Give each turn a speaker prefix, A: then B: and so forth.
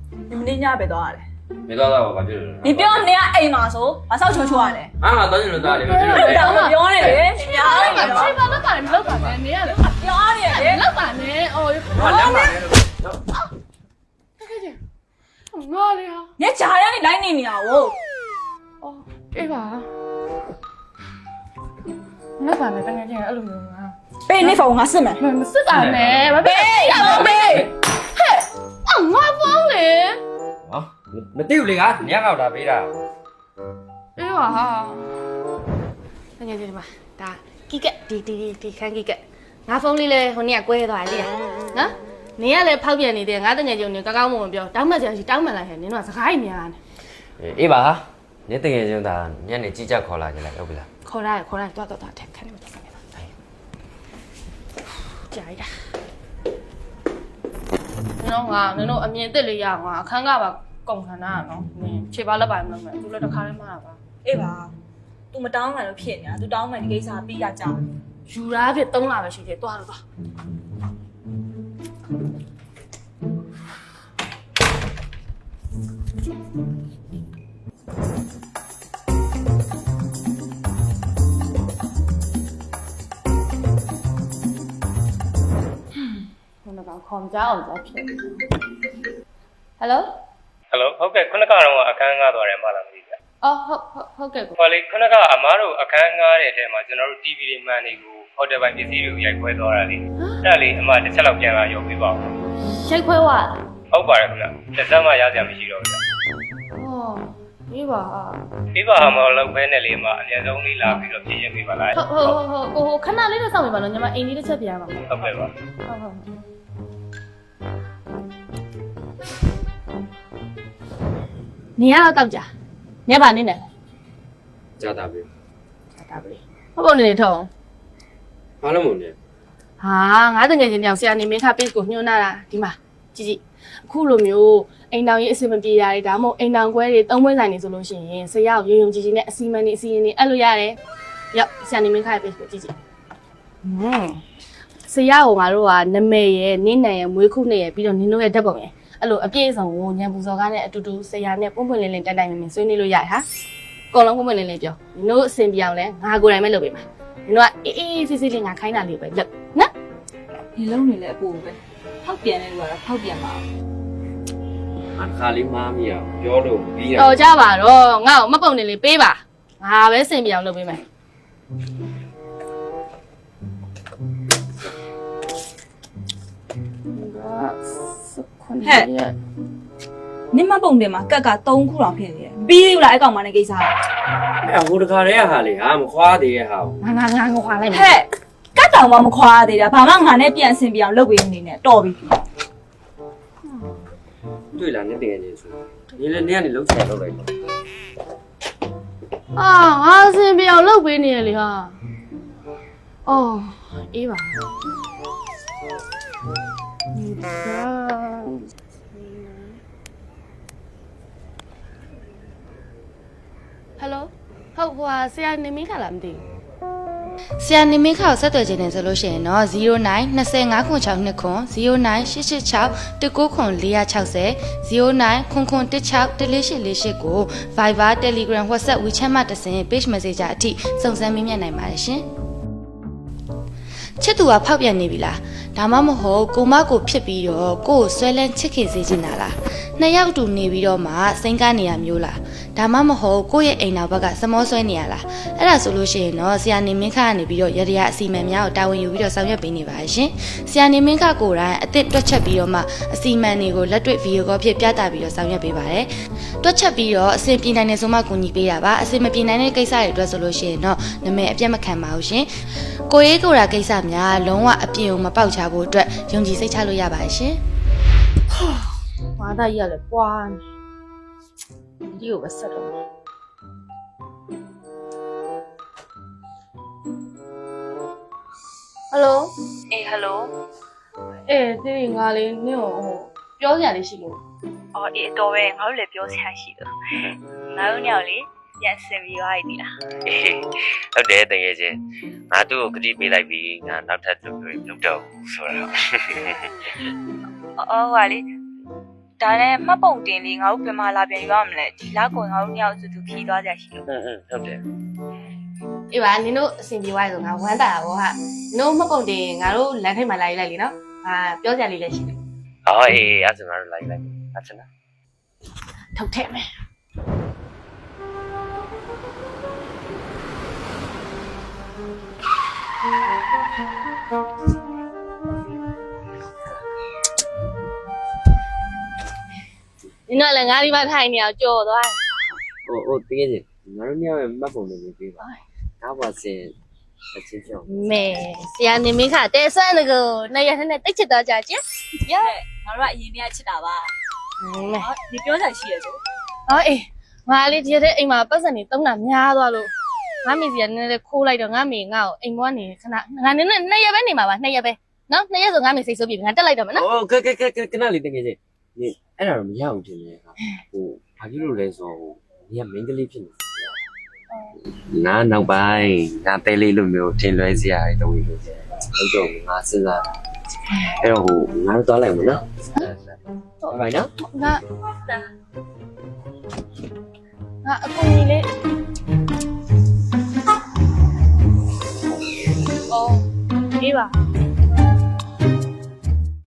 A: 你们那家别多少嘞？
B: 没多少，我就是。
A: 你不要那样挨骂说，把少求求嘞。
B: 啊，当然了，当然了。
A: 不要嘞，你不要嘞，
C: 你把那把你老板呢？你呀，
A: 不要嘞，
C: 老板呢？哦，
B: 两百。
C: 看见，我的呀。
A: 你家人你来你啊我。
C: 哦，这把。老板呢？刚刚进来录用啊。
A: 被你放我是没？
C: 没是干呢，没被，嘿，我疯嘞。
B: 啊，没丢嘞啊，你要打背的。
C: 哎呀哈，那你这嘛，打几个，滴看几个，我疯哩嘞，和你也乖多啲啊，啊，你也来跑遍你的，我等下就你刚刚我们表，当么就是当么来，你那是海面呢？
B: 一把哈，你等下就打，你那几家考来起来，要不啦？
C: 考来，多，看你们多少年了。加一下。你တို့အမြင်တက်လေးရအောင်အခန်းကပါကုန်ခန္ဓာနော်ခြေပါလက်ပိုင်မလုပ်နဲ့သူလည်းတစ်ခါလေးမှားတာပါ
A: အေးပါ तू မတောင်းမှလို့ဖြစ်နေတာ तू တောင်းမှဒီကိစ္စပြီးရကြတယ်
C: ယူရာဖြစ်3လပဲရှိသေးတယ်တွားတော့ ခေါင်းကြောက်ကြဖြစ် Hello
D: Hello ဟုတ်ကဲ့ခုနကတော့အခန်းငားသွားတယ်မလားမသိဘူး
C: အော်ဟုတ်ကဲ့ကို
D: ဟောလေခုနကအမားတို့အခန်းငားတဲ့အထဲမှာကျွန်တော်တို့ TV တွေမှန်တွေကိုဟိုတယ်ပိုင်းပစ္စည်းတွေကိုရိုက်ခွဲသွားတာလေအဲ့ဒါလေးအမတစ်ချက်လောက်ပြန်လာရုပ်ပေးပါဦး
C: ရိုက်ခွဲသွား
D: ဟုတ်ပါတယ်ခင်ဗျတစ်စက်မှရစရာမရှိတော့ဘူး
C: အော်ဒီပါ
D: ဒီပါမလောက်ပဲနဲ့လေအမအများဆုံးလေးလာပြီးတော့ပြင်ရပေးပါလား
C: ဟုတ်ခဏလေးတော့စောင့်နေပါတော့ညီမအိမ်လေးတစ်ချက်ပြန်ရမှာ
D: ဟုတ်ကဲ့ပါ
C: ဟုတ်နေရတော့ကြာညပါနေနဲ့
B: ကြာတာပဲ
C: တာပဲဟုတ်ပုံနေထုံး
B: ဘာလို့မလဲ
C: ဟာငါတငယ်ချင်းတောင်ဆရာနေမင်းခ page ကိုညွှန်းလာတာဒီမှာကြည့်အခုလိုမျိုးအိမ်တောင်ကြီးအစီအမပြေရတယ်ဒါမှမဟုတ်အိမ်တောင်ခွဲတွေသုံးပွဲဆိုင်နေဆိုလို့ရှိရင်ဆရာကိုရုံရုံကြည်ကြည်နဲ့အစီအမံနေအစီအရင်နေအဲ့လိုရတယ်ရောက်ဆရာနေမင်းခ page ကိုကြည့်ဆရာကငါတို့ကနမဲရဲ့နင်းနံရဲ့မွေးခုနဲ့ရဲ့ပြီးတော့နင်းတို့ရဲ့ဓာတ်ပုံရဲ့အဲ့လိုအပြည့်အစုံကိုညံပူစော်ကားနဲ့အတူတူဆရာနဲ့ပွန့်ပွန့်လင်းလင်းတိုင်မင်ဆွေးနွေးလို့ရတယ်ဟာအကုန်လုံးပွန့်ပွန့်လင်းလင်းပြောနင်တို့အဆင်ပြေအောင်လဲငါကိုယ်တိုင်ပဲလုပ်ပေးမှာနင်တို့ကအေးစစ်စစ်လေးငါခိုင်းတာလေးပဲလုပ်နော်
A: ဒီလုံးနေလဲအပူပဲဖောက်ပြန်နေလို့ကတော့ဖောက်ပြန်ပါ
B: အခါလေးမားမိရပြောလို့ပြီးရ
C: တော်ကြပါတော့ငါ့ကိုမပုံနေလေးပေးပါငါပဲအဆင်ပြေအောင်လုပ်ပေးမယ်
A: ဟဲ့နင်မပုံတယ်မှာကက်က3ခုတောင်ဖြစ်နေတယ်ပြီးသေးဘူးလားအဲ့ကောင်မနဲ့ကိစ္စ
B: အဲ့ဟိုတခါတည်းဟာလေဟာမခွာသေးရဲ့ဟာ
C: ငါခွာလိုက်မယ်
A: ဟဲ့ကက်တောင်မှမခွာသေးတာဘာမှငါနဲ့ပြန်ဆင်ပြအောင်လုပ်ပေးနေနဲ့တော်ပြီ
B: တွေ့လားနဲ့တကယ်ချင်းဆိုဒီလည်းနေကနေလုံးချင်လောက်လိုက်တော့
C: အာငါအဆင်ပြေအောင်လုပ်ပေးနေရလေဟာအော်အေးပါဟယ်လိုဟုတ်ဟိုဆရာနေမင်းခါလားမသိဘူးဆရာနေမင်းခါကိုဆက်သွယ်ခြင်းနဲ့ဆိုလို့ရှိရင်တော့09 25ခွန်6နှစ်ခွန်09 886 19ခွန်460 09ခွန်ခွန်16 1448ကို Viber Telegram WhatsApp WeChat မှာတက်ဆင် Page Messenger အထိစုံစမ်းမေးမြန်းနိုင်ပါတယ်ရှင်ချစ်သူကဖောက်ပြန်နေပြီလားဒါမှမဟုတ်ကိုမကိုဖြစ်ပြီးတော့ကိုကိုဆွဲလန်းချစ်ခင်စေချင်တာလားနှစ်ယောက်တူနေပြီးတော့မှစိန်ကနေရမျိုးလားဒါမှမဟုတ်ကိုရဲ့အိမ်နောက်ဘက်ကစမောဆွဲနေရလားအဲ့ဒါဆိုလို့ရှိရင်တော့ဆရာနေမင်းခကနေပြီးတော့ရရအစီမံများကိုတာဝန်ယူပြီးတော့ဆောင်ရွက်ပေးနေပါရှင်ဆရာနေမင်းခကိုယ်တိုင်အစ်စ်တွက်ချက်ပြီးတော့မှအစီမံတွေကိုလက်တွေ့ဗီဒီယိုကောဖြစ်ပြသပြီးတော့ဆောင်ရွက်ပေးပါတယ်တွက်ချက်ပြီးတော့အဆင်ပြေနိုင်တဲ့ဆိုမှကူညီပေးတာပါအဆင်မပြေနိုင်တဲ့ကိစ္စတွေအတွက်ဆိုလို့ရှိရင်တော့နာမည်အပြတ်မခံပါဘူးရှင်ကိုရေးကိုရာကိစ္စများလုံးဝအပြည့်ကိုမပေါက်ချဖို့အတွက်ယုံကြည်စိတ်ချလို့ရပါတယ်ရှင်။ဘာသာကြီးကလည်းပွားနေဒီကိုပဲဆက်တော့မယ်။ဟယ်လို
E: အေးဟယ်လို
C: ဒီငါလေးနင့်ကိုပြောစရာလေးရှိလို့
E: အော်အေးတော်ပဲငါတို့လည်းပြောစရာရှိလို့ငါတို့ညောင်လေးပြန်ဆင်ပြီးသွားပြီလား
F: ဟုတ်တယ်တကယ်ချင်းငါသူ့ကိုဂတိပေးလိုက်ပြီးငါနောက်ထပ်သူ့ကိုလုပ်တော့ဘူးဆိုတော့
E: အော်ဟာလေဒါနဲ့မှတ်ပုံတင်လေးငါတို့ဘယ်မှာလာပြန်ယူရမလဲဒီလောက်ကိုငါတို့ညောင်စုသူခီးသွားကြရှိလို့
F: ဟုတ်တယ်
C: အေးပါနင်တို့အဆင်ပြေသွားရဆိုငါဝမ်းတာပါဟာနင်တို့မှတ်ပုံတင်ငါတို့လမ်းထိပ်မှာလာယူလိုက်လीနော်ဟာပြောစရာလေးလည်းရှိတယ်
F: ဟောအေးအဲ့ဒါငါတို့လိုက်အချင်လား
C: ထုတ်ထည့်မယ်နင်တို့လည်းငါဒီမှာထိုင်နေအောင်ကြော်သွား
B: ဟိုတကယ်ချင်းငါတို့ညရဲ့မှတ်ပုံလေးပေးပါဒါပါစင်အချင်းပြောင်း
C: မဲဆရာနေမင်းခတဲဆွမ်းတကူနှစ်ရက်နဲ့တိတ်ချစ်တော့ကြချင်း
A: ငါတို့ကအရင်တည်းကချစ်တာပါ
C: မဲ
A: ဒီပြောတာရှိရဆို
C: အော်အေးငါလေးဒီရက်အိမ်မှာပတ်စံနေတုံးတာများသွားလို့ငါမေစီကနည်းနည်းခိုးလိုက်တော့ငါမေငါ့ကိုအိမ်ဘွားနေခဏငါနည်းနည်းနှစ်ရက်ပဲနေမှာပါနှစ်ရက်ပဲနော်နှစ်ရက်ဆိုငါမေစိတ်ဆိုးပြီငါတက်လိုက်တော့မယ်နော်
B: ဟိုကနလေးတကယ်ချင်းနေအဲ့ဒါတော့မရအောင်ထင်တယ်ဟာဟိုဘာဖြစ်လို့လဲဆိုတော့ညမင်းကလေးဖြစ်နေငါနောက်ပိုင်းငါတဲလေးလိုမျိုးထင်လွဲစရာတွေတော့ဝင်လို့ဟုတ်တော့ငါစဉ်းစားအဲ့တော့ဟိုငါတို့သွားလိုက်မနော်ဟုတ်ပါနော်
C: ငါအကူကြီးလေးအော်အေးပါ